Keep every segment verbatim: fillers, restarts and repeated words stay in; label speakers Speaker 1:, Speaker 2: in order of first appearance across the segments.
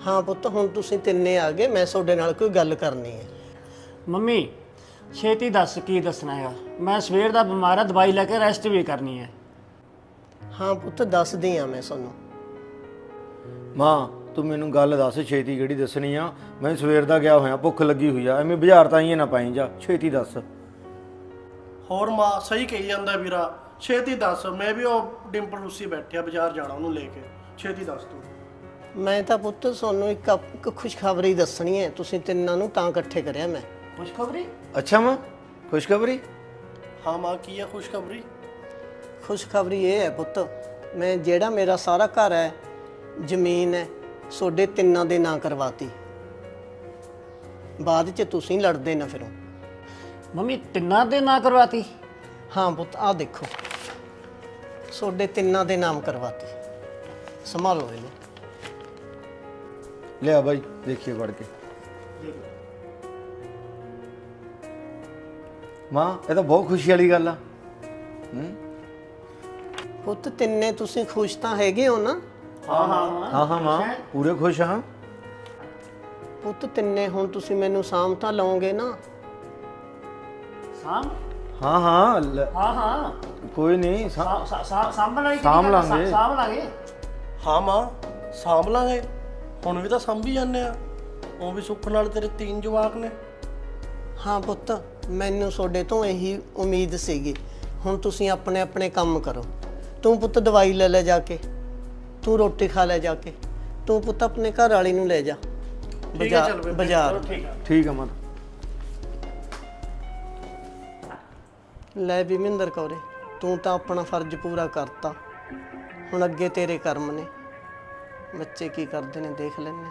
Speaker 1: हाँ पुत्त हुण तुसीं तिन्ने आ गए, मैं तुहाडे नाल कोई गल करनी है।
Speaker 2: ਮੰਮੀ ਛੇਤੀ ਦੱਸ ਕੀ ਦੱਸਣਾ ਹੈਗਾ। ਮੈਂ ਸਵੇਰ ਦਾ ਬਿਮਾਰ ਆ, ਦਵਾਈ ਲੈ ਕੇ ਰੈਸਟ ਵੀ ਕਰਨੀ ਹੈ।
Speaker 1: हाँ पुत्त दसदी हाँ मैं तुहानूं।
Speaker 3: मां तू मैनू गल दस छेती किहड़ी दसनी आ। मैं सवेर दा गया होया, भुख लगी हुई आ, एवें बाजार तां ही ना पाई जा, छेती दस।
Speaker 4: ਹੋਰ ਮਾਂ ਸਹੀ ਕਹੀ ਜਾਂਦਾ ਵੀਰਾ, ਛੇਤੀ ਦੱਸ। ਮੈਂ ਵੀ ਉਹ ਡਿੰਪਲ ਰੂਸੀ ਬੈਠਿਆ ਬਾਜ਼ਾਰ ਜਾਣਾ ਉਹਨੂੰ ਲੈ ਕੇ, ਛੇਤੀ ਦੱਸ ਤੂੰ।
Speaker 1: मैं तो पुत्त तुहानूं एक एक खुशखबरी दसनी है, तुसीं तिन्नां नूं तां इकट्ठे करिया मैं।
Speaker 2: ਖੁਸ਼ਖਬਰੀ?
Speaker 3: अच्छा मां खुशखबरी?
Speaker 4: ਹਾਂ ਮਾਂ ਕੀ ਹੈ ਖੁਸ਼ਖਬਰੀ?
Speaker 1: खुशखबरी ये है पुत्त, मैं जेड़ा मेरा सारा घर है, जमीन है, सोडे तिन्नां दे नां करवाती। बाद च तुसीं लड़दे ना फिरो।
Speaker 2: ਮੰਮੀ ਤਿੰਨਾਂ ਦੇ ਨਾਂ ਕਰਵਾਤੀ?
Speaker 1: हाँ पुत्त आ देखो, सोडे तिन्नां दे नाम करवाती। संभालो इहनूं।
Speaker 3: लिया भाई देखिए पढ़ के। मां ये तो बहुत खुशी वाली गल आ। हम्म
Speaker 1: पुत्त तिन्ने तुसीं खुश तां हैगे हो ना?
Speaker 2: ਹਾਂ ਹਾਂ
Speaker 3: हाँ हाँ मां पूरे खुश हाँ।
Speaker 1: पुत्त तिन्ने हुण तुसीं मैनूं साम तां लओगे ना?
Speaker 2: ਸਾਮ
Speaker 3: हाँ हाँ ल-
Speaker 2: ਹਾਂ ਹਾਂ
Speaker 3: कोई नहीं सा-
Speaker 2: ਸਾਂਭ ਲਾਂਗੇ
Speaker 3: ਸਾਂਭ ਲਾਂਗੇ।
Speaker 2: ਸਾਂਭ ਲਾਂਗੇ।
Speaker 4: ਹਾਂ ਮਾਂ ਸਾਂਭ ਲਾਂਗੇ, ਹੁਣ ਵੀ ਤਾਂ ਸਾਂਭੀ ਜਾਂਦੇ ਆ। ਉਹ ਵੀ ਸੁੱਖ ਨਾਲ ਤੇਰੇ तीन ਜਵਾਕ ਨੇ।
Speaker 1: हाँ पुत्त मैनूं सोडे तो यही उम्मीद सीगी। हुण तुसीं अपने अपने काम करो। तू पुत्त दवाई ले ले जाके, तू रोटी खा ले जाके, तू पुत्त अपने घर वाली नूं ले जा
Speaker 4: ਠੀਕ ਹੈ ਚੱਲ ਬੇਬੇ,
Speaker 1: बाजार।
Speaker 2: ਠੀਕ ਆ।
Speaker 3: ठीक है मां।
Speaker 1: ਲੈ ਵੀ ਮਹਿੰਦਰ ਕੌਰੇ, ਤੂੰ ਤਾਂ ਆਪਣਾ ਫਰਜ਼ ਪੂਰਾ ਕਰਤਾ, ਹੁਣ ਅੱਗੇ ਤੇਰੇ ਕਰਮ ਨੇ। ਬੱਚੇ ਕੀ ਕਰਦੇ ਨੇ ਦੇਖ ਲੈਣੇ।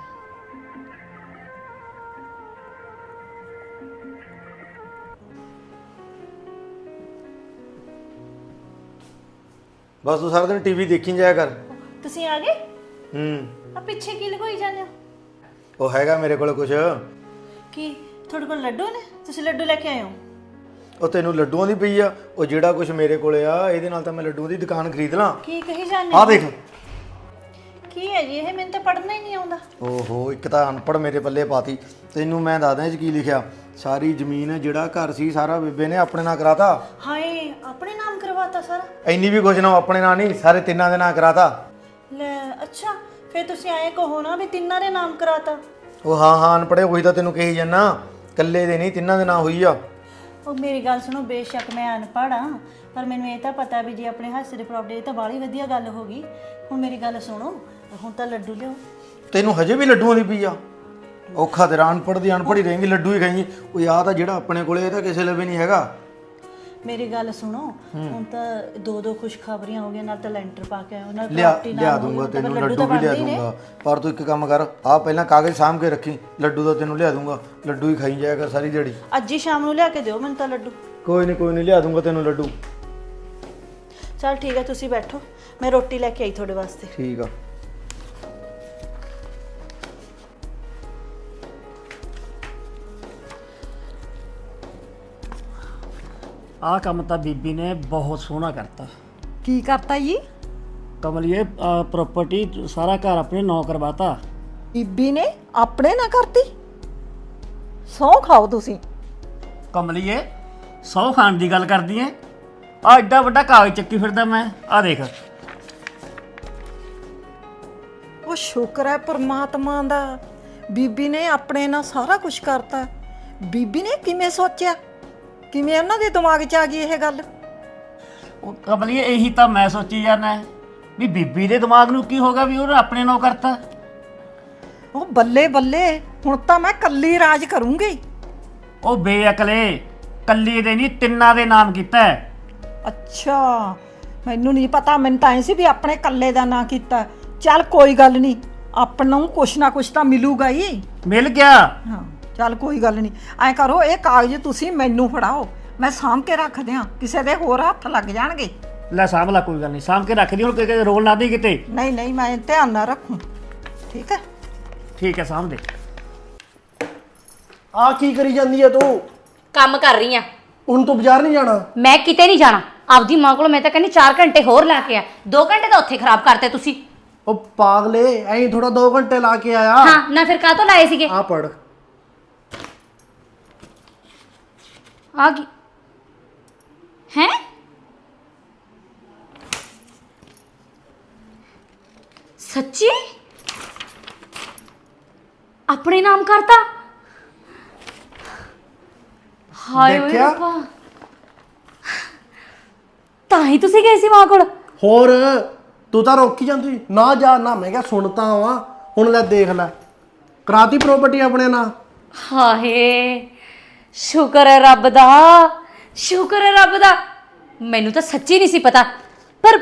Speaker 3: बस तू सारा दिन टीवी देखी जाया कर।
Speaker 5: ਤੁਸੀਂ ਆ ਗਏ?
Speaker 3: हम्म
Speaker 5: ਆ ਪਿੱਛੇ ਕੀ ਲਗੋਈ ਜਾਂਦੇ ਹੋ?
Speaker 3: वो हैगा मेरे को कुछ।
Speaker 5: ਕੀ ਤੁਹਾਡੇ ਕੋਲ ਲੱਡੂ ਨੇ? ਤੁਸੀਂ ਲੱਡੂ ਲੈ ਕੇ ਆਏ ਹੋ?
Speaker 3: ਉਹ ਤੈਨੂੰ ਲੱਡੂਆਂ ਦੀ ਪਈ ਆ, ਉਹ ਜਿਹੜਾ ਕੁਝ ਮੇਰੇ ਕੋਲੇ ਆ ਇਹਦੇ ਨਾਲ ਤਾਂ ਮੈਂ ਲੱਡੂਆਂ ਦੀ ਦੁਕਾਨ ਖਰੀਦ ਲਾਂ।
Speaker 5: ਕੀ ਕਹੀ ਜਾਂਦੇ
Speaker 3: ਆਹ ਦੇਖ।
Speaker 5: ਕੀ ਹੈ ਜੀ ਇਹ? ਮੈਨੂੰ ਤਾਂ ਪੜ੍ਹਨਾ ਹੀ ਨਹੀਂ ਆਉਂਦਾ।
Speaker 3: ਓਹੋ ਇੱਕ ਤਾਂ ਅਨਪੜ੍ਹ ਮੇਰੇ ਪੱਲੇ ਪਾਤੀ। ਤੈਨੂੰ ਮੈਂ ਦੱਸਦਾ ਇਹ 'ਚ ਕੀ ਲਿਖਿਆ। ਸਾਰੀ ਜ਼ਮੀਨ ਜਿਹੜਾ ਘਰ ਸੀ ਸਾਰਾ ਬੇਬੇ ਨੇ ਆਪਣੇ ਨਾਂ ਕਰਾਤਾ।
Speaker 5: ਹਾਏ ਆਪਣੇ ਨਾਮ ਕਰਵਾਤਾ ਸਾਰਾ?
Speaker 3: ਇੰਨੀ ਵੀ ਕੁਝ ਨਾ, ਆਪਣੇ ਨਾਂ ਨਹੀਂ ਸਾਰੇ ਤਿੰਨਾਂ ਦੇ ਨਾਂ ਕਰਾਤਾ।
Speaker 5: ਲੈ ਅੱਛਾ, ਫਿਰ ਤੁਸੀਂ ਆਏ ਕਹੋ ਨਾ ਵੀ ਤਿੰਨਾਂ ਦੇ ਨਾਮ ਕਰਾਤਾ।
Speaker 3: ਉਹ ਹਾਂ ਹਾਂ ਅਨਪੜ੍ਹੇ ਉਹੀ ਤਾਂ ਤੈਨੂੰ ਕਹੀ ਜਾਂਦਾ, ਇਕੱਲੇ ਦੇ ਨਹੀਂ ਤਿੰਨਾਂ ਦੇ ਨਾਂ ਹੋਈ ਆ।
Speaker 5: ਉਹ ਮੇਰੀ ਗੱਲ ਸੁਣੋ, ਬੇਸ਼ੱਕ ਮੈਂ ਅਨਪੜ੍ਹ ਹਾਂ ਪਰ ਮੈਨੂੰ ਇਹ ਤਾਂ ਪਤਾ ਵੀ ਜੇ ਆਪਣੇ ਹਾਸੇ ਦੇ ਪ੍ਰਾਪਰਟੀ ਤਾਂ ਬਾਹਲੀ ਵਧੀਆ ਗੱਲ ਹੋ ਗਈ। ਹੁਣ ਮੇਰੀ ਗੱਲ ਸੁਣੋ, ਹੁਣ ਤਾਂ ਲੱਡੂ ਲਿਓ।
Speaker 3: ਤੈਨੂੰ ਹਜੇ ਵੀ ਲੱਡੂਆਂ ਦੀ ਪਈ ਆ? ਔਖਾ ਤੇਰਾ, ਅਨਪੜ੍ਹ ਦੀ ਅਨਪੜ੍ਹ ਹੀ ਰਹੇਂਗੀ, ਲੱਡੂ ਹੀ ਖਾਈਂ। ਉਹ ਆ ਤਾਂ ਜਿਹੜਾ ਆਪਣੇ ਕੋਲੇ ਇਹ ਤਾਂ ਕਿਸੇ ਲਈ ਵੀ ਨਹੀਂ ਹੈਗਾ।
Speaker 5: ਮੇਰੀ ਗੱਲ ਸੁਣੋ, ਹੁਣ ਤਾਂ ਦੋ ਦੋ ਖੁਸ਼ਖਬਰੀਆਂ ਹੋ ਗਈਆਂ, ਨਾਲ ਤਾਂ ਲੈਂਟਰ ਪਾ ਕੇ ਆਏ, ਨਾਲ
Speaker 3: ਲਿਆ
Speaker 5: ਪ੍ਰਾਪਰਟੀ
Speaker 3: ਲਿਆ
Speaker 5: ਨਾਲ
Speaker 3: ਦੂੰਗਾ
Speaker 5: ਹੋਈ,
Speaker 3: ਤੈਨੂੰ,
Speaker 5: ਤਾਂ
Speaker 3: ਲੱਡੂ
Speaker 5: ਤਾਂ
Speaker 3: ਵੀ ਲਿਆ
Speaker 5: ਬਣਦੇ ਹੀ ਨੇ।
Speaker 3: ਦੂੰਗਾ। ਪਰ ਤੂੰ ਇੱਕ ਕੰਮ ਕਰ, ਆ ਪਹਿਲਾਂ ਕਾਗਜ਼ ਸਾਂਭ ਕੇ ਰੱਖੀ, ਲੱਡੂ ਦਾ ਤੈਨੂੰ ਲਿਆ ਦੂੰਗਾ। ਲੱਡੂ ਹੀ ਖਾਈ ਜਾਇਆ ਕਰ ਸਾਰੀ ਦਿਹਾੜੀ।
Speaker 5: ਅੱਜ ਹੀ ਸ਼ਾਮ ਨੂੰ ਲਿਆ ਕੇ ਦਿਓ ਮੈਨੂੰ ਤਾਂ ਲੱਡੂ।
Speaker 3: ਕੋਈ ਨਹੀਂ ਕੋਈ ਨਹੀਂ ਲਿਆ ਦੂੰਗਾ ਤੈਨੂੰ ਲੱਡੂ।
Speaker 5: ਚਲ ਠੀਕ ਹੈ, ਤੁਸੀਂ ਬੈਠੋ, ਮੈਂ ਰੋਟੀ ਲੈ ਕੇ ਆਈ ਤੁਹਾਡੇ ਵਾਸਤੇ।
Speaker 3: ਠੀਕ ਆ।
Speaker 2: ਆਹ ਕੰਮ ਤਾਂ ਬੀਬੀ ਨੇ ਬਹੁਤ ਸੋਹਣਾ ਕਰਤਾ।
Speaker 6: ਕੀ ਕਰਤਾ ਜੀ?
Speaker 2: ਕਮਲੀਏ ਪ੍ਰਾਪਰਟੀ ਸਾਰਾ ਘਰ ਆਪਣੇ ਨਾਂ ਕਰਵਾਤਾ।
Speaker 6: ਬੀਬੀ ਨੇ ਆਪਣੇ ਨਾ ਕਰਤੀ? ਸਹੁੰ ਖਾਓ ਤੁਸੀਂ।
Speaker 2: ਕਮਲੀਏ ਸੌ ਖਾਨ ਦੀ ਗੱਲ ਕਰਦੀ ਐ? ਆ ਐਡਾ ਵੱਡਾ ਕਾਗਜ਼ ਚੱਕੀ ਫਿਰਦਾ ਮੈਂ, ਆ ਦੇਖ।
Speaker 6: ਉਹ ਸ਼ੁਕਰ ਹੈ ਪਰਮਾਤਮਾ ਦਾ, ਬੀਬੀ ਨੇ ਆਪਣੇ ਨਾਲ ਸਾਰਾ ਕੁਝ ਕਰਤਾ। ਬੀਬੀ ਨੇ ਕਿਵੇਂ ਸੋਚਿਆ, ਕਿਵੇਂ ਉਹਨਾਂ ਦੇ ਦਿਮਾਗ 'ਚ ਆ ਗਈ ਇਹ ਗੱਲ?
Speaker 2: ਉਹ ਕਮਲੀਏ ਇਹੀ ਤਾਂ ਮੈਂ ਸੋਚੀ ਜਾਂਦਾ ਵੀ ਬੀਬੀ ਦੇ ਦਿਮਾਗ ਨੂੰ ਕੀ ਹੋਗਾ ਵੀ ਉਹਨੇ ਆਪਣੇ ਨਾਂ ਕਰਤਾ।
Speaker 6: ਉਹ ਬੱਲੇ ਬੱਲੇ, ਹੁਣ ਤਾਂ ਮੈਂ ਕੱਲੀ ਰਾਜ ਕਰੂੰਗੀ।
Speaker 2: ਉਹ ਬੇਅਕਲੇ, ਕੱਲੀ ਦੇ ਨਹੀਂ ਤਿੰਨਾਂ ਦੇ ਨਾਮ ਕੀਤਾ ਹੈ।
Speaker 6: ਅੱਛਾ, ਮੈਨੂੰ ਨਹੀਂ ਪਤਾ, ਮੈਨੂੰ ਤਾਂ ਐ ਸੀ ਵੀ ਆਪਣੇ ਕੱਲੇ ਦਾ ਨਾਂ ਕੀਤਾ। ਚੱਲ ਕੋਈ ਗੱਲ ਨਹੀਂ, ਆਪਾਂ ਨੂੰ ਕੁਛ ਨਾ ਕੁਛ ਤਾਂ ਮਿਲੂਗਾ ਹੀ।
Speaker 2: ਮਿਲ ਗਿਆ।
Speaker 6: ਹਾਂ ਚੱਲ ਕੋਈ ਗੱਲ ਨਹੀਂ, ਐਂ ਕਰੋ ਇਹ ਕਾਗਜ਼ ਤੁਸੀਂ ਮੈਨੂੰ ਫੜਾਓ, ਮੈਂ ਸਾਂਭ ਕੇ ਰੱਖ ਦਿਆਂ, ਕਿਸੇ ਦੇ ਹੋਰ ਹੱਥ ਲੱਗ ਜਾਣਗੇ।
Speaker 2: ਲੈ ਸਾਂਭ ਲਾ, ਕੋਈ ਗੱਲ ਨਹੀਂ, ਸਾਂਭ ਕੇ ਰੱਖ ਦੀ। ਹੁਣ ਕਿ ਰੋਲ ਨਾ ਦੀ ਕਿਤੇ।
Speaker 6: ਨਹੀਂ ਨਹੀਂ ਮੈਂ ਧਿਆਨ ਨਾਲ ਰੱਖੂ, ਠੀਕ ਹੈ?
Speaker 2: ਠੀਕ ਹੈ, ਸਾਂਭ ਦੇ।
Speaker 4: ਆ ਕੀ ਕਰੀ ਜਾਂਦੀ ਆ ਤੂੰ?
Speaker 7: ਕੰਮ ਕਰ ਰਹੀ ਆ।
Speaker 4: ਹੁਣ ਤੂੰ ਬਾਜ਼ਾਰ ਨਹੀਂ ਜਾਣਾ?
Speaker 7: ਮੈਂ ਕਿਤੇ ਨਹੀਂ ਜਾਣਾ। ਆਪਦੀ ਮਾਂ ਕੋਲ ਮੈਂ ਤਾਂ ਕਹਿੰਦੀ ਚਾਰ ਘੰਟੇ ਹੋਰ ਲਾ ਕੇ ਆ। ਦੋ ਘੰਟੇ ਤਾਂ ਉੱਥੇ ਖਰਾਬ ਕਰਤੇ ਤੁਸੀਂ।
Speaker 4: ਉਹ ਪਾਗਲੇ ਐਂ ਥੋੜਾ ਦੋ ਘੰਟੇ ਲਾ ਕੇ ਆਇਆ।
Speaker 7: ਹਾਂ ਨਾ ਫਿਰ ਕਾਹ ਤੋਂ ਲਾਏ ਸੀਗੇ?
Speaker 4: ਆ ਪੜ।
Speaker 7: ਆ ਕੀ ਹੈ? ਸੱਚੀ ਆਪਣੇ ਨਾਮ ਕਰਤਾ? ਹਾਏ ਓਏ
Speaker 4: ਦੇਖਿਆ?
Speaker 7: ਰੱਬਾ, ਤਾਂ ਹੀ ਤੁਸੀਂ ਗਏ ਸੀ ਮਾਂ ਕੋਲ?
Speaker 4: ਹੋਰ ਤੂੰ ਤਾਂ ਰੋਕੀ ਜਾਂਦੀ ਨਾ ਜਾ ਨਾ। ਮੈਂ ਕਿਹਾ ਸੁਣਤਾ ਵਾ ਹੁਣ ਲੈ ਦੇਖ ਲੈ ਕਰਾਤੀ ਪ੍ਰਾਪਰਟੀ ਆਪਣੇ ਨਾਲ।
Speaker 7: ਹਾਏ ਸ਼ੁਕਰ ਹੈ ਰੱਬ ਦਾ, ਸ਼ੁਕਰ ਹੈ ਰੱਬ ਦਾ। ਮੈਨੂੰ ਤਾਂ ਸੱਚੀ ਨਹੀਂ ਸੀ ਪਤਾ, ਪਰ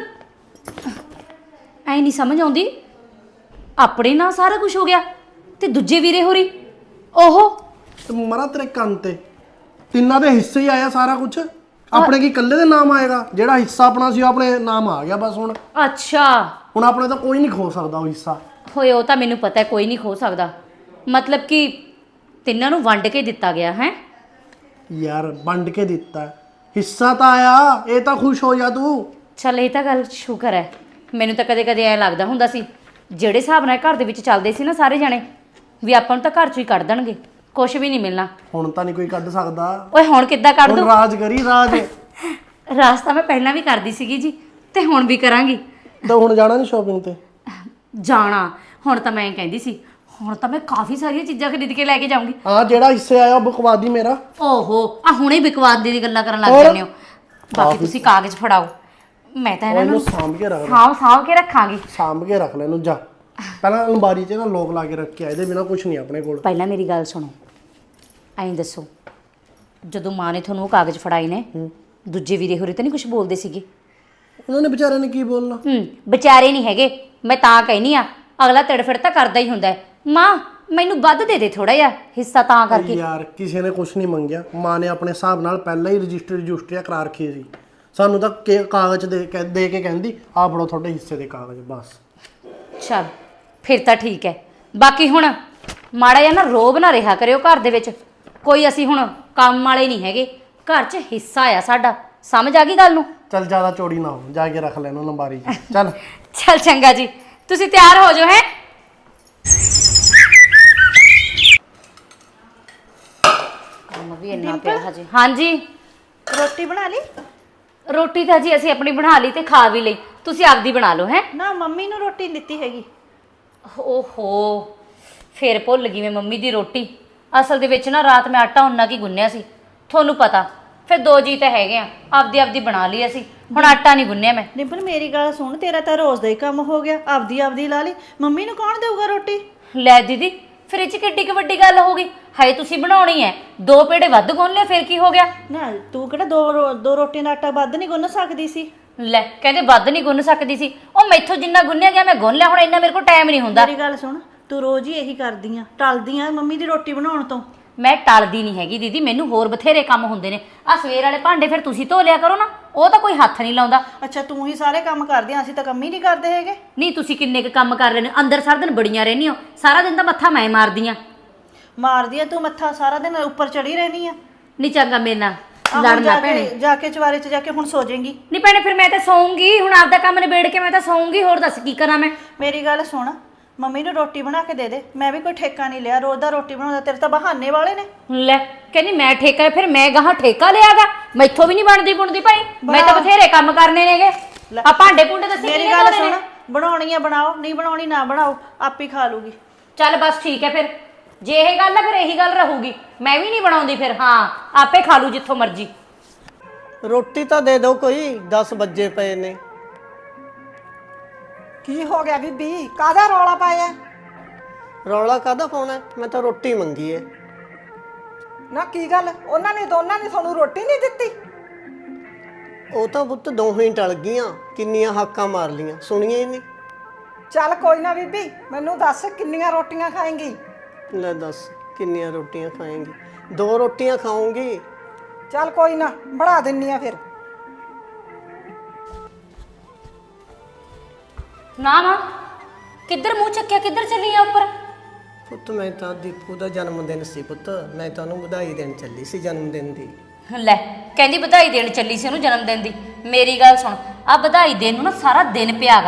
Speaker 7: ਐ ਨਹੀਂ ਸਮਝ ਆਉਂਦੀ ਆਪਣੇ ਨਾਲ ਸਾਰਾ ਕੁਝ ਹੋ ਗਿਆ ਤੇ ਦੂਜੇ ਵੀਰੇ ਹੋਰੀ ਉਹ
Speaker 4: ਤੇ ਮਰਾ ਤੇਰੇ ਕੰਨ ਤੇ ਤਿੰਨਾਂ ਦੇ ਹਿੱਸੇ ਹੀ ਆਇਆ ਸਾਰਾ ਕੁਝ। ਆਪਣੇ ਕੀ ਇਕੱਲੇ ਦੇ ਨਾਮ ਆਏਗਾ? ਜਿਹੜਾ ਹਿੱਸਾ ਆਪਣਾ ਸੀ ਉਹ ਆਪਣੇ ਨਾਮ ਆ ਗਿਆ ਬਸ। ਹੁਣ
Speaker 7: ਅੱਛਾ
Speaker 4: ਹੁਣ ਆਪਣੇ ਤਾਂ ਕੋਈ ਨਹੀਂ ਖੋ ਸਕਦਾ ਉਹ ਹਿੱਸਾ।
Speaker 7: ਹੋਏ ਉਹ ਤਾਂ ਮੈਨੂੰ ਪਤਾ ਹੈ, ਕੋਈ ਨਹੀਂ ਖੋ ਸਕਦਾ। ਮਤਲਬ ਕਿ ਤਿੰਨਾਂ ਨੂੰ ਵੰਡ ਕੇ ਦਿੱਤਾ ਗਿਆ ਹੈ?
Speaker 4: ਯਾਰ ਵੰਡ ਕੇ ਦਿੱਤਾ ਹਿੱਸਾ ਤਾਂ ਆਇਆ, ਇਹ ਤਾਂ ਖੁਸ਼ ਹੋ ਜਾ ਤੂੰ।
Speaker 7: ਚੱਲ ਇਹ ਤਾਂ ਗੱਲ ਸ਼ੁਕਰ ਹੈ। ਮੈਨੂੰ ਤਾਂ ਕਦੇ ਕਦੇ ਐ ਲੱਗਦਾ ਹੁੰਦਾ ਸੀ ਜਿਹੜੇ ਹਿਸਾਬ ਨਾਲ ਘਰ ਦੇ ਵਿੱਚ ਚੱਲਦੇ ਸੀ ਨਾ ਸਾਰੇ ਜਾਣੇ, ਵੀ ਆਪਾਂ ਨੂੰ ਤਾਂ ਘਰ 'ਚੋਂ ਹੀ ਕੱਢ ਦੇਣਗੇ, ਕੁਝ ਵੀ ਨਹੀਂ ਮਿਲਣਾ।
Speaker 4: ਹੁਣ ਤਾਂ ਨਹੀਂ ਕੋਈ ਕੱਢ ਸਕਦਾ।
Speaker 7: ਓਏ ਹੁਣ ਕਿੱਦਾਂ ਕੱਢ
Speaker 4: ਹੁਣ
Speaker 7: ਦੂੰ?
Speaker 4: ਰਾਜ ਕਰੀ ਰਾਜ।
Speaker 7: ਰਾਸਤਾ ਮੈਂ ਪਹਿਲਾਂ ਵੀ ਕਰਦੀ ਸੀਗੀ ਜੀ ਤੇ ਹੁਣ ਵੀ ਕਰਾਂਗੀ।
Speaker 4: ਤਾਂ ਹੁਣ ਜਾਣਾ ਨਹੀਂ ਸ਼ਾਪਿੰਗ ਤੇ?
Speaker 7: ਜਾਣਾ ਹੁਣ ਤਾਂ ਮੈਂ ਕਹਿੰਦੀ ਸੀ, ਹੁਣ ਤਾਂ ਮੈਂ ਕਾਫੀ ਸਾਰੀਆਂ ਚੀਜ਼ਾਂ ਖਰੀਦ ਕੇ ਲੈ ਕੇ ਜਾਊਂਗੀ।
Speaker 4: ਹਾਂ ਜਿਹੜਾ ਹਿੱਸੇ ਆਇਆ ਉਹ ਬਕਵਾਦੀ ਮੇਰਾ।
Speaker 7: ਓਹੋ ਆ ਹੁਣੇ ਵਿਕਵਾਦ ਦੀ ਗੱਲਾਂ ਕਰਨ ਲੱਗ
Speaker 4: ਹੋਰ?
Speaker 7: ਜਾਂਦੇ ਹੋ। ਬਾਕੀ ਤੁਸੀਂ ਕਾਗਜ਼ ਫੜਾਓ, ਮੈਂ ਤਾਂ ਇਹਨਾਂ
Speaker 4: ਇਹਨੂੰ
Speaker 7: ਨੂੰ
Speaker 4: ਸਾਂਭ ਕੇ ਰੱਖ ਲੈ।
Speaker 7: ਸਾਂਭ ਸਾਂਭ ਕੇ ਰੱਖਾਂਗੀ।
Speaker 4: ਸਾਂਭ ਕੇ ਰੱਖ ਲੈ ਇਹਨੂੰ। ਜਾ ਪਹਿਲਾਂ ਅਲਮਾਰੀ 'ਚ ਨਾ ਲੋਕ ਲਾ ਕੇ ਰੱਖਿਆ, ਇਹਦੇ ਬਿਨਾ ਕੁਝ ਨਹੀਂ ਆਪਣੇ ਕੋਲ।
Speaker 7: ਪਹਿਲਾਂ ਮੇਰੀ ਗੱਲ ਸੁਣੋ, ਐਂ ਦੱਸੋ ਜਦੋਂ ਮਾਂ ਨੇ ਤੁਹਾਨੂੰ ਉਹ ਕਾਗਜ਼ ਫੜਾਏ ਨੇ, ਦੂਜੇ ਵੀਰੇ ਹੋਰੇ ਤਾਂ ਨਹੀਂ ਕੁਝ ਬੋਲਦੇ ਸੀਗੇ?
Speaker 4: ਉਹਨਾਂ ਨੇ ਵਿਚਾਰਿਆਂ ਨੇ ਕੀ ਬੋਲਣਾ?
Speaker 7: ਹੂੰ ਵਿਚਾਰੇ ਨਹੀਂ ਹੈਗੇ, ਮੈਂ ਤਾਂ ਕਹਿਨੀ ਆ ਅਗਲਾ ਤੜਫੜ ਤਾਂ ਕਰਦਾ ਹੀ ਹੁੰਦਾ ਹੈ। ਮਾਂ ਮੈਨੂੰ ਵੱਧ ਦੇ ਦੇ ਥੋੜਾ ਜਿਹਾ ਹਿੱਸਾ ਤਾਂ ਕਰਕੇ।
Speaker 4: ਯਾਰ ਕਿਸੇ ਨੇ ਕੁਝ ਨਹੀਂ ਮੰਗਿਆ। ਮਾਂ ਨੇ ਆਪਣੇ ਹਿਸਾਬ ਨਾਲ ਪਹਿਲਾਂ ਹੀ ਰਜਿਸਟਰ ਰਜਿਸਟਰੀਆ ਕਰਾ ਰੱਖੀ ਸੀ। ਸਾਨੂੰ ਤਾਂ ਕੇ- ਕਾਗਜ਼ ਦੇ ਕੇ ਦੇ ਕੇ ਕਹਿੰਦੀ ਆਹ ਫੜੋ ਤੁਹਾਡੇ ਹਿੱਸੇ ਦੇ ਕਾਗਜ਼ ਬਸ।
Speaker 7: ਚੱਲ ਫਿਰ ਤਾਂ ਠੀਕ ਹੈ। ਬਾਕੀ ਹੁਣ ਮਾੜਾ ਜਿਹਾ ਨਾ ਰੋਬ ਨਾ ਰਿਹਾ ਕਰਿਓ ਘਰ ਦੇ ਵਿੱਚ। ਕੋਈ ਅਸੀਂ ਹੁਣ ਕੰਮ ਵਾਲੇ ਨਹੀਂ ਹੈਗੇ, ਘਰ 'ਚ ਹਿੱਸਾ ਆ ਸਾਡਾ। ਸਮਝ ਆ ਗਈ ਗੱਲ ਨੂੰ?
Speaker 4: ਚੱਲ ਜ਼ਿਆਦਾ ਚੋੜੀ ਨਾ ਹੋ, ਜਾ ਕੇ ਰੱਖ ਲੈ ਇਹਨੂੰ ਅਲਮਾਰੀ 'ਚ। ਚੱਲ
Speaker 7: ਚੱਲ ਚੰਗਾ ਜੀ, ਤੁਸੀਂ ਤਿਆਰ ਹੋ ਜਾਓ। ਹੈ ਕੰਮ ਵੀ ਇੰਨਾ ਪਿਆ ਹਜੇ। ਹਾਂਜੀ
Speaker 5: ਰੋਟੀ ਬਣਾ ਲਈ?
Speaker 7: ਰੋਟੀ ਤਾਂ ਜੀ ਅਸੀਂ ਆਪਣੀ ਬਣਾ ਲਈ ਤੇ ਖਾ ਵੀ ਲਈ, ਤੁਸੀਂ ਆਪਦੀ ਬਣਾ ਲਓ। ਹੈ
Speaker 5: ਨਾ ਮੰਮੀ ਨੂੰ ਰੋਟੀ ਨਹੀਂ ਦਿੱਤੀ ਹੈਗੀ।
Speaker 7: ਓਹੋ ਫੇਰ ਭੁੱਲ ਗਈ ਮੈਂ ਮੰਮੀ ਦੀ ਰੋਟੀ। ਅਸਲ ਦੇ ਵਿੱਚ ਨਾ ਰਾਤ ਮੈਂ ਆਟਾ ਉਨਾ ਕੀ ਗੁੰਨਿਆ ਸੀ, ਤੁਹਾਨੂੰ ਪਤਾ ਫਿਰ ਦੋ ਜੀ ਤਾਂ ਹੈਗੇ ਆ, ਆਪਦੀ ਆਪਦੀ ਬਣਾ ਲਈ ਅਸੀਂ। ਹੁਣ ਆਟਾ ਨਹੀਂ ਗੁੰਨਿਆ ਮੈਂ।
Speaker 5: ਡਿੰਪਲ ਮੇਰੀ ਗੱਲ ਸੁਣ, ਤੇਰਾ ਤਾਂ ਰੋਜ਼ ਦਾ ਹੀ ਕੰਮ ਹੋ ਗਿਆ, ਆਪਦੀ ਆਪਦੀ ਲਾ ਲਈ। ਮੰਮੀ ਨੂੰ ਕੌਣ ਦੇਊਗਾ ਰੋਟੀ?
Speaker 7: ਲੈ ਦੀਦੀ ਫਿਰ ਇਹ 'ਚ ਕਿੱਡੀ ਕੁ ਵੱਡੀ ਗੱਲ ਹੋ ਗਈ? ਹਾਏ ਤੁਸੀਂ ਬਣਾਉਣੀ ਹੈ, ਦੋ ਪੇੜੇ ਵੱਧ ਗੁੰਨ ਲਿਆ ਫਿਰ ਕੀ ਹੋ ਗਿਆ?
Speaker 5: ਨਾ ਤੂੰ ਕਿਹੜਾ ਦੋ ਰੋ- ਦੋ ਰੋਟੀਆਂ ਦਾ ਆਟਾ ਵੱਧ ਨਹੀਂ ਗੁੰਨ ਸਕਦੀ ਸੀ?
Speaker 7: ਲੈ ਕਹਿੰਦੇ ਵੱਧ ਨਹੀਂ ਗੁੰਨ ਸਕਦੀ ਸੀ। ਉਹ ਮੈਥੋਂ ਜਿੰਨਾ ਗੁੰਨਿਆ ਗਿਆ ਮੈਂ ਗੁੰਨ ਲਿਆ, ਹੁਣ ਇੰਨਾ ਮੇਰੇ ਕੋਲ ਟਾਈਮ ਨਹੀਂ ਹੁੰਦਾ।
Speaker 5: ਮੇਰੀ ਗੱਲ ਸੁਣ, ਤੂੰ ਰੋਜ਼ ਹੀ ਇਹੀ ਕਰਦੀ ਆ, ਟਲਦੀ ਆ ਮੰਮੀ ਦੀ ਰੋਟੀ ਬਣਾਉਣ ਤੋਂ।
Speaker 7: ਮੈਂ ਟਲਦੀ ਨਹੀਂ ਹੈਗੀ ਦੀਦੀ, ਮੈਨੂੰ ਹੋਰ ਬਥੇਰੇ ਕੰਮ ਹੁੰਦੇ ਨੇ। ਆ ਸਵੇਰ ਵਾਲੇ ਭਾਂਡੇ ਫਿਰ ਤੁਸੀਂ ਧੋ ਲਿਆ ਕਰੋ ਨਾ, ਉਹ ਤਾਂ ਕੋਈ ਹੱਥ ਨਹੀਂ ਲਾਉਂਦਾ।
Speaker 5: ਅੱਛਾ ਤੂੰ ਹੀ ਸਾਰੇ ਕੰਮ ਕਰਦੀ ਆ, ਅਸੀਂ ਤਾਂ ਕੰਮ ਹੀ ਨਹੀਂ ਕਰਦੇ ਹੈਗੇ।
Speaker 7: ਨਹੀਂ ਤੁਸੀਂ ਕਿੰਨੇ ਕੁ ਕੰਮ ਕਰ ਰਹੇ ਨੇ? ਅੰਦਰ ਸਾਰਾ ਦਿਨ ਬੜੀਆਂ ਰਹਿੰਦੀ ਹੋ, ਸਾਰਾ ਦਿਨ ਤਾਂ ਮੱਥਾ ਮੈਂ ਮਾਰਦੀ ਆ।
Speaker 5: ਮਾਰਦੀ ਆ ਤੂੰ ਮੱਥਾ, ਸਾਰਾ ਦਿਨ ਉੱਪਰ ਚੜੀ ਰਹਿਣੀ ਆ।
Speaker 7: ਨਹੀਂ ਚੰਗਾ ਮੇਰੇ ਨਾਲ
Speaker 5: ਆਹ ਹੁਣ
Speaker 7: ਲੜਨਾ
Speaker 5: ਜਾ
Speaker 7: ਭੈਣੇ।
Speaker 5: ਕੇ ਜਾ ਕੇ ਚਵਾਰੇ 'ਚ ਜਾ ਕੇ ਹੁਣ ਸੋ ਜਾਏਂਗੀ।
Speaker 7: ਨਹੀਂ ਭੈਣੇ ਫਿਰ ਮੈਂ ਤਾਂ ਸੌਂਗੀ, ਹੁਣ ਆਪਦਾ ਕੰਮ ਨਿਬੇੜ ਕੇ ਮੈਂ ਤਾਂ ਸੌਂਗੀ। ਹੋਰ ਦੱਸ ਕੀ ਕਰਾਂ ਮੈਂ?
Speaker 5: ਮੇਰੀ ਗੱਲ ਸੁਣ, ਮੰਮੀ ਨੂੰ ਰੋਟੀ ਬਣਾ ਕੇ ਦੇ ਦੇ। ਮੈਂ ਵੀ ਕੋਈ ਠੇਕਾ ਨਹੀਂ ਲਿਆ, ਰੋਜ਼ ਦਾ ਰੋਟੀ ਬਣਾਉਂਦਾ। ਤੇਰੇ ਤਾਂ ਬਹਾਨੇ ਵਾਲੇ ਨੇ।
Speaker 7: ਲੈ ਕਹਿੰਦੀ ਮੈਂ ਠੇਕਾ, ਫਿਰ ਮੈਂ ਗਾਹਾਂ ਠੇਕਾ ਲਿਆਗਾ? ਮੈਥੋਂ ਵੀ ਨਹੀਂ ਬਣਦੀ ਬੁਣਦੀ ਭਾਈ, ਮੈਂ ਤਾਂ ਬਥੇਰੇ ਕੰਮ ਕਰਨੇ ਨੇਗੇ। ਆ ਭਾਂਡੇ ਭੁੰਡੇ ਦੱਸੀ
Speaker 5: ਮੇਰੀ
Speaker 7: ਕਿਹਨੇ
Speaker 5: ਗੱਲ
Speaker 7: ਧੋਣੇ ਨੇ?
Speaker 5: ਸੁਣ, ਬਣਾਉਣੀ ਆ ਬਣਾਓ, ਨਹੀਂ ਬਣਾਉਣੀ ਨਾ ਬਣਾਓ, ਆਪ ਹੀ ਖਾ ਲੂਗੀ।
Speaker 7: ਚੱਲ ਬਸ ਠੀਕ ਹੈ ਫਿਰ, ਜੇ ਇਹ ਗੱਲ ਹੈ ਫਿਰ ਇਹੀ ਗੱਲ ਰਹੂਗੀ। ਮੈਂ ਵੀ ਨਹੀਂ ਬਣਾਉਂਦੀ ਫਿਰ, ਹਾਂ ਆਪੇ ਖਾ ਲੂ ਜਿੱਥੋਂ ਮਰਜ਼ੀ।
Speaker 1: ਰੋਟੀ ਤਾਂ ਦੇ ਦਿਓ ਕੋਈ, ਦਸ ਵੱਜੇ ਪਏ ਨੇ।
Speaker 6: ਕੀ ਹੋ ਗਿਆ ਬੀਬੀ? ਕਾਹਦਾ ਰੌਲਾ ਪਾਇਆ?
Speaker 1: ਰੌਲਾ ਕਾਹਦਾ ਪਾਉਣਾ? ਮੈਂ ਤਾਂ ਰੋਟੀ ਮੰਗੀ ਏ।
Speaker 6: ਨਾ ਕੀ ਗੱਲ, ਉਹਨਾਂ ਨੇ ਦੋਨਾਂ ਨੇ ਤੁਹਾਨੂੰ ਰੋਟੀ ਨਹੀਂ ਦਿੱਤੀ?
Speaker 1: ਉਹ ਤਾਂ ਪੁੱਤ ਦੋਹੇ ਹੀ ਟਲ ਗਈਆਂ, ਕਿੰਨੀਆਂ ਹਾਕਾਂ ਮਾਰ ਲੀਆਂ, ਸੁਣੀਆਂ ਹੀ ਨਹੀਂ।
Speaker 6: ਚੱਲ ਕੋਈ ਨਾ ਬੀਬੀ, ਮੈਨੂੰ ਦੱਸ ਕਿੰਨੀਆਂ ਰੋਟੀਆਂ ਖਾਏਂਗੀ?
Speaker 1: ਲੈ ਦੱਸ ਕਿੰਨੀਆਂ ਰੋਟੀਆਂ ਖਾਏਂਗੀ? ਦੋ ਰੋਟੀਆਂ ਖਾਊਂਗੀ।
Speaker 6: ਚੱਲ ਕੋਈ ਨਾ, ਬਣਾ ਦਿੰਨੀ ਆ ਫਿਰ।
Speaker 7: ਨਾ ਨਾ ਕਿੱਧਰ ਮੂੰਹ ਚੱਕਿਆ, ਕਿੱਧਰ ਚੱਲੀ ਆ ਉੱਪਰ?
Speaker 1: ਪੁੱਤ ਮੈਂ ਤਾਂ ਦੀਪੂ ਦਾ ਜਨਮ ਦਿਨ ਸੀ ਪੁੱਤ, ਮੈਂ ਤਾਂ ਉਹਨੂੰ ਵਧਾਈ ਦੇਣ ਚੱਲੀ ਸੀ ਜਨਮ ਦਿਨ ਦੀ।
Speaker 7: ਲੈ ਕਹਿੰਦੀ ਵਧਾਈ ਦੇਣ ਚੱਲੀ ਸੀ ਉਹਨੂੰ ਜਨਮ ਦਿਨ ਦੀ। ਮੇਰੀ ਗੱਲ ਸੁਣ, ਆ ਵਧਾਈ ਦੇਣ ਨੂੰ ਨਾ ਸਾਰਾ ਦਿਨ ਪਿਆਗਾ।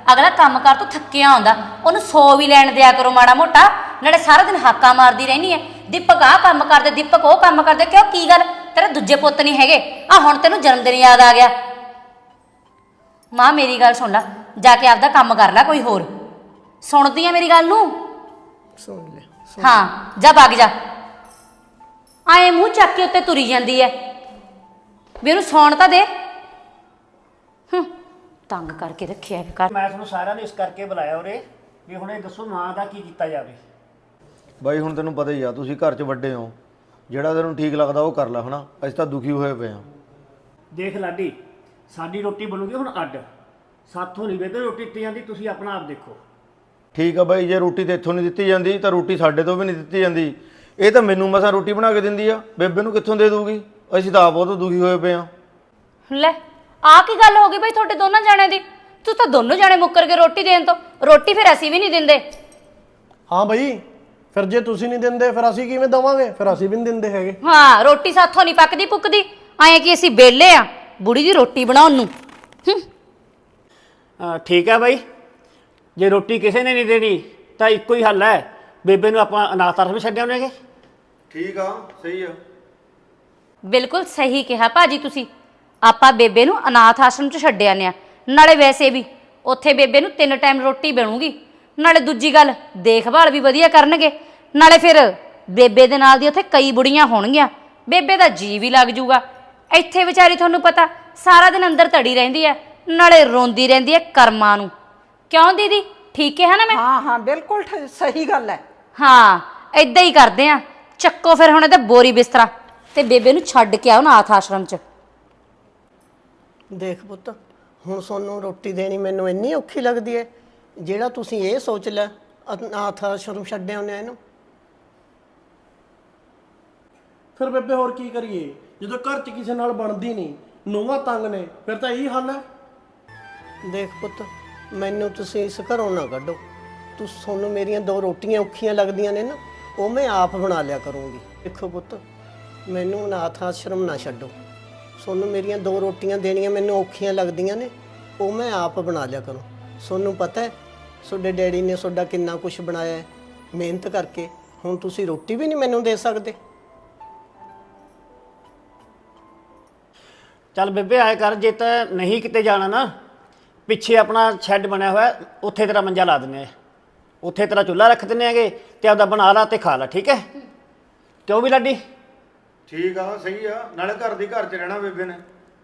Speaker 7: ਅਗਲਾ ਕੰਮ ਕਰ ਤੋਂ ਥੱਕਿਆ ਆਉਂਦਾ, ਉਹਨੂੰ ਸੌ ਵੀ ਲੈਣ ਦਿਆ ਕਰੋ ਮਾੜਾ ਮੋਟਾ। ਨਾਲੇ ਸਾਰਾ ਦਿਨ ਹਾਕਾ ਮਾਰਦੀ ਰਹਿਣੀ ਹੈ, ਦੀਪਕ ਆਹ ਕੰਮ ਕਰਦੇ, ਦੀਪਕ ਉਹ ਕੰਮ ਕਰਦੇ। ਕਿਉਂ, ਕੀ ਗੱਲ, ਤੇਰੇ ਦੂਜੇ ਪੁੱਤ ਨਹੀਂ ਹੈਗੇ? ਆ ਹੁਣ ਤੈਨੂੰ ਜਨਮ ਦਿਨ ਯਾਦ ਆ ਗਿਆ। ਮਾਂ ਮੇਰੀ ਗੱਲ ਸੁਣ ਲੈ, ਜਾ ਕੇ ਆਪਦਾ ਕੰਮ ਕਰ ਲੈ ਕੋਈ ਹੋਰ। ਸੁਣਦੀ ਆ ਮੇਰੀ ਗੱਲ ਨੂੰ?
Speaker 1: ਸੁਣ ਲੈ।
Speaker 7: ਹਾਂ ਜਾ ਵਗ ਜਾ। ਆਏ ਮੂੰਹ ਚੱਕ ਕੇ ਉੱਤੇ ਤੁਰੀ ਜਾਂਦੀ ਐ, ਵੀ ਉਹਨੂੰ ਸੌਣ ਤਾਂ ਦੇ। ਹੂੰ, ਤੰਗ ਕਰਕੇ ਰੱਖਿਆ ਕਰ।
Speaker 2: ਮੈਂ ਤੁਹਾਨੂੰ ਸਾਰਿਆਂ ਨੂੰ ਇਸ ਕਰਕੇ ਬੁਲਾਇਆ ਉਰੇ ਵੀ ਹੁਣ ਇਹ ਦੱਸੋ ਮਾਂ ਦਾ ਕੀ ਕੀਤਾ ਜਾਵੇ।
Speaker 3: ਬਾਈ ਹੁਣ ਤੈਨੂੰ ਪਤਾ ਹੀ ਆ, ਤੁਸੀਂ ਘਰ 'ਚ ਵੱਡੇ ਹੋ, ਜਿਹੜਾ ਤੈਨੂੰ ਠੀਕ ਲੱਗਦਾ ਉਹ ਕਰ ਲੈ ਹਨਾ। ਅਸੀਂ ਤਾਂ ਦੁਖੀ ਹੋਏ ਪਏ ਆ।
Speaker 2: ਦੇਖ ਲਾਡੀ, ਸਾਡੀ ਰੋਟੀ ਬਣੂਗੀ ਹੁਣ ਅੱਡ, ਸਾਥੋਂ ਨਹੀਂ ਬੇਬੇ ਰੋਟੀ ਦਿੱਤੀ ਜਾਂਦੀ, ਤੁਸੀਂ ਆਪਣਾ ਆਪ ਦੇਖੋ।
Speaker 3: ਠੀਕ ਆ ਬਾਈ, ਜੇ ਰੋਟੀ ਤੇ ਇੱਥੋਂ ਨਹੀਂ ਦਿੱਤੀ ਜਾਂਦੀ ਤਾਂ ਰੋਟੀ ਸਾਡੇ ਤੋਂ ਵੀ ਨਹੀਂ ਦਿੱਤੀ ਜਾਂਦੀ। ਇਹ ਤਾਂ ਮੈਨੂੰ ਮਸਾਂ ਰੋਟੀ ਬਣਾ ਕੇ ਦਿੰਦੀ ਆ, ਬੇਬੇ ਨੂੰ ਕਿੱਥੋਂ ਦੇ ਦੂਗੀ? ਅਸੀਂ ਤਾਂ ਆਪ ਬਹੁਤ ਦੁਖੀ ਹੋਏ ਪਏ ਆ।
Speaker 7: ਲੈ ਆ ਕੀ ਗੱਲ ਹੋ ਗਈ ਬਈ ਤੁਹਾਡੇ ਦੋਨਾਂ ਜਾਣਿਆਂ ਦੀ? ਤੂੰ ਤਾਂ ਦੋਨੋਂ ਜਾਣੇ ਮੁੱਕਰ ਕੇ ਰੋਟੀ ਦੇਣ ਤੋਂ। ਰੋਟੀ ਫਿਰ ਅਸੀਂ ਵੀ ਨਹੀਂ ਦਿੰਦੇ।
Speaker 4: ਹਾਂ ਬਈ, ਫਿਰ ਜੇ ਤੁਸੀਂ ਨਹੀਂ ਦਿੰਦੇ ਫਿਰ ਅਸੀਂ ਕਿਵੇਂ ਦੇਵਾਂਗੇ? ਫਿਰ ਅਸੀਂ ਵੀ ਨਹੀਂ ਦਿੰਦੇ ਹੈਗੇ।
Speaker 7: ਹਾਂ, ਰੋਟੀ ਸਾਥੋਂ ਨਹੀਂ ਪੱਕਦੀ ਪੁੱਕਦੀ। ਐਂ ਕਿ ਅਸੀਂ ਵਿਹਲੇ ਆ ਬੁੜੀ ਦੀ ਰੋਟੀ ਬਣਾਉਣ ਨੂੰ। ਹੂੰ,
Speaker 2: ਅਹ ਠੀਕ ਹੈ ਬਾਈ, ਜੇ ਰੋਟੀ ਕਿਸੇ ਨੇ ਨਹੀਂ ਦੇਣੀ ਤਾਂ ਇੱਕੋ ਹੀ ਹੱਲ ਹੈ, ਬੇਬੇ ਨੂੰ ਆਪਾਂ ਅਨਾਥ ਆਸ਼ਰਮ ਛੱਡ ਆਉਣਗੇ।
Speaker 3: ਠੀਕ ਆ, ਸਹੀ ਆ।
Speaker 7: ਬਿਲਕੁਲ ਸਹੀ ਕਿਹਾ ਭਾਜੀ ਤੁਸੀਂ। ਆਪਾਂ ਬੇਬੇ ਨੂੰ ਅਨਾਥ ਆਸ਼ਰਮ 'ਚ ਛੱਡ ਆਉਂਦੇ ਆ। ਨਾਲੇ ਵੈਸੇ ਵੀ ਉੱਥੇ ਬੇਬੇ ਨੂੰ ਤਿੰਨ ਟਾਈਮ ਰੋਟੀ ਬਣੂਗੀ, ਨਾਲੇ ਦੂਜੀ ਗੱਲ ਦੇਖਭਾਲ ਵੀ ਵਧੀਆ ਕਰਨਗੇ। ਨਾਲੇ ਫਿਰ ਬੇਬੇ ਦੇ ਨਾਲ ਦੀ ਉੱਥੇ ਕਈ ਬੁੜੀਆਂ ਹੋਣਗੀਆਂ, ਬੇਬੇ ਦਾ ਜੀ ਵੀ ਲੱਗ ਜੂਗਾ। ਇੱਥੇ ਵਿਚਾਰੀ ਤੁਹਾਨੂੰ ਪਤਾ ਸਾਰਾ ਦਿਨ ਅੰਦਰ ਧੜੀ ਰਹਿੰਦੀ ਹੈ, ਨਾਲੇ ਰੋਂਦੀ ਰਹਿੰਦੀ ਹੈ ਕਰਮਾਂ ਨੂੰ। ਕਿਉਂ ਦੀਦੀ, ਠੀਕ ਕਿਹਾ ਨਾ ਮੈਂ?
Speaker 6: ਹਾਂ ਹਾਂ ਬਿਲਕੁਲ ਠ- ਸਹੀ ਗੱਲ ਹੈ।
Speaker 7: ਹਾਂ, ਏਦਾਂ ਹੀ ਕਰਦੇ ਆ। ਚੱਕੋ ਫਿਰ ਹੁਣ ਇਹਦਾ ਬੋਰੀ ਬਿਸਤਰਾ ਤੇ ਬੇਬੇ ਨੂੰ ਛੱਡ ਕੇ ਆਓ ਅਨਾਥ ਆਸ਼ਰਮ 'ਚ।
Speaker 1: ਦੇਖ ਪੁੱਤ, ਹੁਣ ਤੁਹਾਨੂੰ ਰੋਟੀ ਦੇਣੀ ਮੈਨੂੰ ਇੰਨੀ ਔਖੀ ਲੱਗਦੀ ਹੈ, ਜਿਹੜਾ ਤੁਸੀਂ ਇਹ ਸੋਚ ਲੈ ਅਨਾਥ ਆਸ਼ਰਮ ਛੱਡ ਆਉਂਦੇ ਆ ਇਹਨੂੰ।
Speaker 4: ਫਿਰ ਬੇਬੇ ਹੋਰ ਕੀ ਕਰੀਏ, ਜਦੋਂ ਘਰ 'ਚ ਕਿਸੇ ਨਾਲ ਬਣਦੀ ਨਹੀਂ, ਨੂੰਹਾਂ ਤੰਗ ਨੇ, ਫਿਰ ਤਾਂ ਇਹੀ ਹੱਲ ਹੈ।
Speaker 1: ਦੇਖ ਪੁੱਤ, ਮੈਨੂੰ ਤੁਸੀਂ ਇਸ ਘਰੋਂ ਨਾ ਕੱਢੋ। ਤੁਸੀਂ ਤੁਹਾਨੂੰ ਮੇਰੀਆਂ ਦੋ ਰੋਟੀਆਂ ਔਖੀਆਂ ਲੱਗਦੀਆਂ ਨੇ ਨਾ, ਉਹ ਮੈਂ ਆਪ ਬਣਾ ਲਿਆ ਕਰੂੰਗੀ। ਦੇਖੋ ਪੁੱਤ, ਮੈਨੂੰ ਅਨਾਥ ਆਸ਼ਰਮ ਨਾ ਛੱਡੋ। ਤੁਹਾਨੂੰ ਮੇਰੀਆਂ ਦੋ ਰੋਟੀਆਂ ਦੇਣੀਆਂ ਮੈਨੂੰ ਔਖੀਆਂ ਲੱਗਦੀਆਂ ਨੇ, ਉਹ ਮੈਂ ਆਪ ਬਣਾ ਲਿਆ ਕਰੂੰ। ਤੁਹਾਨੂੰ ਪਤਾ ਹੈ ਤੁਹਾਡੇ ਡੈਡੀ ਨੇ ਤੁਹਾਡਾ ਕਿੰਨਾ ਕੁਝ ਬਣਾਇਆ ਹੈ ਮਿਹਨਤ ਕਰਕੇ, ਹੁਣ ਤੁਸੀਂ ਰੋਟੀ ਵੀ ਨਹੀਂ ਮੈਨੂੰ ਦੇ ਸਕਦੇ।
Speaker 2: ਚੱਲ ਬੇਬੇ ਆਏ ਕਰ, ਜੇ ਤਾਂ ਨਹੀਂ ਕਿਤੇ ਜਾਣਾ ਨਾ, ਪਿੱਛੇ ਆਪਣਾ ਸ਼ੈੱਡ ਬਣਿਆ ਹੋਇਆ, ਉੱਥੇ ਤੇਰਾ ਮੰਜਾ ਲਾ ਦਿੰਦੇ ਆ, ਉੱਥੇ ਤੇਰਾ ਚੁੱਲ੍ਹਾ ਰੱਖ ਦਿੰਦੇ ਹੈਗੇ ਤੇ ਆਪਦਾ ਬਣਾ ਲਾ ਤੇ ਖਾ ਲਾ। ਠੀਕ ਹੈ, ਕਿਉਂ ਵੀ ਲਾਡੀ?
Speaker 3: ਠੀਕ ਆ, ਸਹੀ ਆ। ਨਾਲੇ ਘਰ ਦੀ ਘਰ 'ਚ ਰਹਿਣਾ ਬੇਬੇ ਨੇ।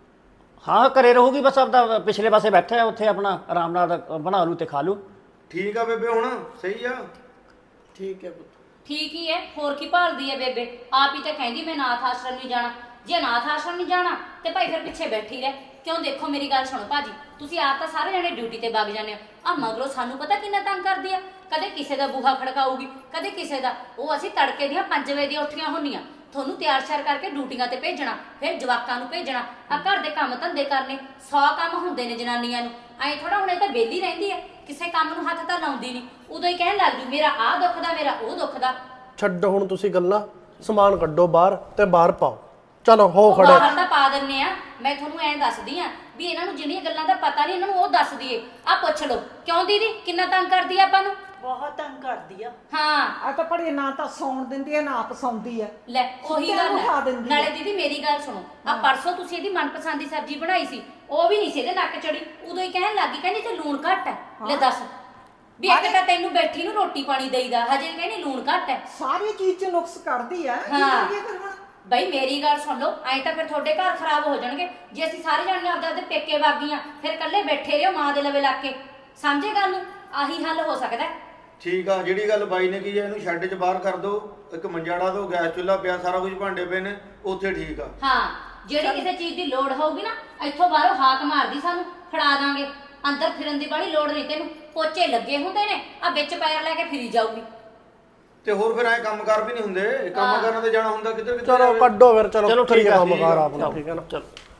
Speaker 2: ਹਾਂ, ਘਰੇ ਰਹੂਗੀ, ਬਸ ਆਪਦਾ ਪਿਛਲੇ ਪਾਸੇ ਬੈਠਾ ਹੈ, ਉੱਥੇ ਆਪਣਾ ਆਰਾਮ ਨਾਲ ਬਣਾ ਲੂ ਤੇ ਖਾ ਲੂ।
Speaker 3: ਠੀਕ ਆ ਬੇਬੇ, ਹੁਣ ਸਹੀ ਆ।
Speaker 1: ਠੀਕ ਹੈ ਪੁੱਤ।
Speaker 7: ਠੀਕ ਹੀ ਹੈ, ਹੋਰ ਕੀ ਭਾਲਦੀ ਹੈ ਬੇਬੇ? ਆਪ ਹੀ ਤਾਂ ਕਹਿੰਦੀ ਮੈਂ ਅਨਾਥ ਆਸ਼ਰਮ ਨਹੀਂ ਜਾਣਾ। ਜੇ ਅਨਾਥ ਆਸ਼ਰਮ ਨਹੀਂ ਜਾਣਾ ਤੇ ਭਾਈ ਫਿਰ ਪਿੱਛੇ ਬੈਠੀ ਰਹਿ। ਕਿਉਂ, ਦੇਖੋ ਮੇਰੀ ਗੱਲ ਸੁਣੋ ਭਾਜੀ, ਤੁਸੀਂ ਆਪ ਤਾਂ ਸਾਰੇ ਜਣੇ ਡਿਊਟੀ ਤੇ ਵਗ ਜਾਂਦੇ ਹੋ, ਆ ਮਗਰੋਂ ਸਾਨੂੰ ਪਤਾ ਕਿੰਨਾ ਤੰਗ ਕਰਦੀ ਆ। ਕਦੇ ਕਿਸੇ ਦਾ ਬੂਹਾ ਖੜਕਾਊਗੀ, ਕਦੇ ਕਿਸੇ ਦਾ। ਉਹ ਅਸੀਂ ਤੜਕੇ ਦੀਆਂ ਪੰਜ ਵਜੇ ਦੀਆਂ ਉੱਠੀਆਂ ਹੁੰਦੀਆਂ, ਤੁਹਾਨੂੰ ਤਿਆਰ ਸ਼ਿਆਰ ਕਰਕੇ ਡਿਊਟੀਆਂ ਤੇ ਭੇਜਣਾ, ਫਿਰ ਜਵਾਕਾਂ ਨੂੰ ਭੇਜਣਾ, ਆ ਘਰ ਦੇ ਕੰਮ ਧੰਦੇ ਕਰਨੇ। ਸੌ ਕੰਮ ਹੁੰਦੇ ਨੇ ਜਨਾਨੀਆਂ ਨੂੰ। ਐਂ ਥੋੜਾ ਹੁਣ ਇਹ ਤਾਂ ਵਿਹਲੀ ਰਹਿੰਦੀ ਹੈ, ਕਿਸੇ ਕੰਮ ਨੂੰ ਹੱਥ ਤਾਂ ਲਾਉਂਦੀ ਨਹੀਂ। ਉਦੋਂ ਹੀ ਕਹਿਣ ਲੱਗ ਜੂ ਮੇਰਾ ਆਹ ਦੁੱਖਦਾ, ਮੇਰਾ ਉਹ ਦੁੱਖਦਾ।
Speaker 4: ਛੱਡੋ ਹੁਣ ਤੁਸੀਂ ਗੱਲਾਂ, ਸਮਾਨ ਕੱਢੋ ਬਾਹਰ ਤੇ ਬਾਹਰ ਪਾਓ। ਚਲੋ ਹੋ
Speaker 7: ਉਹ
Speaker 4: ਖੜੇ।
Speaker 7: ਬਾਹਰ ਤਾਂ ਪਾ ਦਿੰਨੇ ਆ। ਮੈਂ ਤੁਹਾਨੂੰ ਐਂ ਦੱਸਦੀ ਆ ਵੀ ਇਹਨਾਂ ਨੂੰ ਜਿਹੜੀਆਂ ਗੱਲਾਂ ਦਾ ਪਤਾ ਨਹੀਂ, ਇਹਨਾਂ ਨੂੰ ਉਹ ਦੱਸ ਦਈਏ। ਆ ਪੁੱਛ ਲਓ, ਕਿਉਂ ਦੀਦੀ ਕਿੰਨਾ ਤੰਗ ਕਰਦੀ ਆ ਆਪਾਂ ਨੂੰ?
Speaker 5: ਬਹੁਤ ਤੰਗ ਕਰਦੀ ਆ।
Speaker 7: ਹਾਂ,
Speaker 6: ਆ ਤਾਂ ਪੜੀ ਨਾ ਤਾਂ ਸੌਣ ਦਿੰਦੀ ਹੈ ਨਾ ਆਪ ਸੌਂਦੀ ਹੈ।
Speaker 7: ਲੈ ਉਹੀ
Speaker 6: ਸੁੱਤਿਆਂ
Speaker 7: ਗੱਲ
Speaker 6: ਨੂੰ ਉਠਾ
Speaker 7: ਹੈ।
Speaker 6: ਦਿੰਦੀ ਆ।
Speaker 7: ਨਾਲੇ ਦੀਦੀ ਮੇਰੀ ਗੱਲ ਸੁਣੋ, ਆ ਪਰਸੋਂ ਤੁਸੀਂ ਇਹਦੀ ਮਨਪਸੰਦ ਦੀ ਸਬਜ਼ੀ ਬਣਾਈ ਸੀ, ਉਹ ਵੀ ਨਹੀਂ ਸੀ ਇਹਦੇ ਨੱਕ ਚੜੀ। ਉਦੋਂ ਹੀ ਕਹਿਣ ਲੱਗੀ, ਕਹਿੰਦੀ ਤੇ ਲੂਣ ਘੱਟ ਹੈ। ਲੈ ਦੱਸ, ਵੀ ਇੱਕ ਤਾਂ ਤੈਨੂੰ ਬੈਠੀ ਨੂੰ ਰੋਟੀ ਪਾਣੀ ਦੇਈਦਾ, ਹਜੇ ਕਹਿੰਦੀ ਲੂਣ ਘੱਟ ਹੈ।
Speaker 6: ਸਾਰੀ ਚੀਜ਼ 'ਚ ਨੁਕਸ ਕੱਢਦੀ ਹੈ। ਕੀ
Speaker 7: ਹਾਂ।
Speaker 6: ਕਰੀਏ ਫਿਰ ਹੁਣ?
Speaker 7: ਬਈ ਮੇਰੀ ਗੱਲ ਸੁਣ ਲਓ, ਐਂ ਤਾਂ ਫਿਰ ਤੁਹਾਡੇ ਘਰ ਖਰਾਬ ਹੋ ਜਾਣਗੇ। ਜੇ ਅਸੀਂ ਸਾਰੇ ਜਾਣੀਆਂ ਆਪਦੇ ਆਪਦੇ ਪੇਕੇ ਵਗ ਗਈਆਂ, ਫਿਰ ਇਕੱਲੇ ਬੈਠੇ ਰਹੋ ਮਾਂ ਦੇ ਲਵੇ ਲੱਗ ਕੇ। ਸਮਝੇ ਗੱਲ ਨੂੰ? ਆਹੀ ਹੱਲ ਹੋ ਸਕਦਾ।
Speaker 3: ਠੀਕ ਆ, ਜਿਹੜੀ ਗੱਲ ਬਾਈ ਨੇ ਕੀ ਹੈ, ਇਹਨੂੰ ਸ਼ੈੱਡ 'ਚ ਬਾਹਰ ਕਰ ਦਿਓ, ਇੱਕ ਮੰਜਾ ਡਾ ਦਿਓ, ਗੈਸ ਚੁੱਲ੍ਹਾ ਪਿਆ, ਸਾਰਾ ਕੁਝ ਭਾਂਡੇ ਪਏ ਨੇ, ਉੱਥੇ ਠੀਕ ਆ।
Speaker 7: ਹਾਂ, ਜਿਹੜੀ ਕਿਸੇ ਚੀਜ਼ ਦੀ ਲੋੜ ਹੋਊਗੀ ਨਾ, ਇੱਥੋਂ ਬਾਹਰੋਂ ਹਾਕ ਮਾਰਦੀ, ਸਾਨੂੰ ਫੜਾ ਦਾਂਗੇ। ਅੰਦਰ ਫਿਰਨ ਦੀ ਬੜੀ ਲੋੜ ਨਹੀਂ ਤੈਨੂੰ, ਪੋਚੇ ਲੱਗੇ ਹੁੰਦੇ ਨੇ, ਆ ਵਿੱਚ ਪੈਰ ਲੈ ਕੇ ਫਿਰੀ ਜਾਊਗੀ।
Speaker 3: ਤੇ ਹੋਰ ਫਿਰ ਐ ਕੰਮਕਾਰ ਵੀ ਨਹੀਂ ਹੁੰਦੇ, ਕੰਮ ਕਰਨ ਤੇ ਜਾਣਾ ਹੁੰਦਾ ਕਿੱਧਰ ਕਿੱਧਰ
Speaker 4: ਚਲੋ
Speaker 3: ਜਾਵੇ।
Speaker 4: ਕੱਢੋ ਫਿਰ, ਚਲੋ
Speaker 2: ਚਲੋ ਠੀਕ
Speaker 4: ਕਰੀਏ
Speaker 2: ਆ,
Speaker 4: ਕੰਮ
Speaker 2: ਠੀਕ ਆ,
Speaker 4: ਕਾਰ ਆਪਣਾ,
Speaker 2: ਚਲੋ,
Speaker 4: ਠੀਕ ਹੈ ਨਾ।
Speaker 2: ਚਲੋ।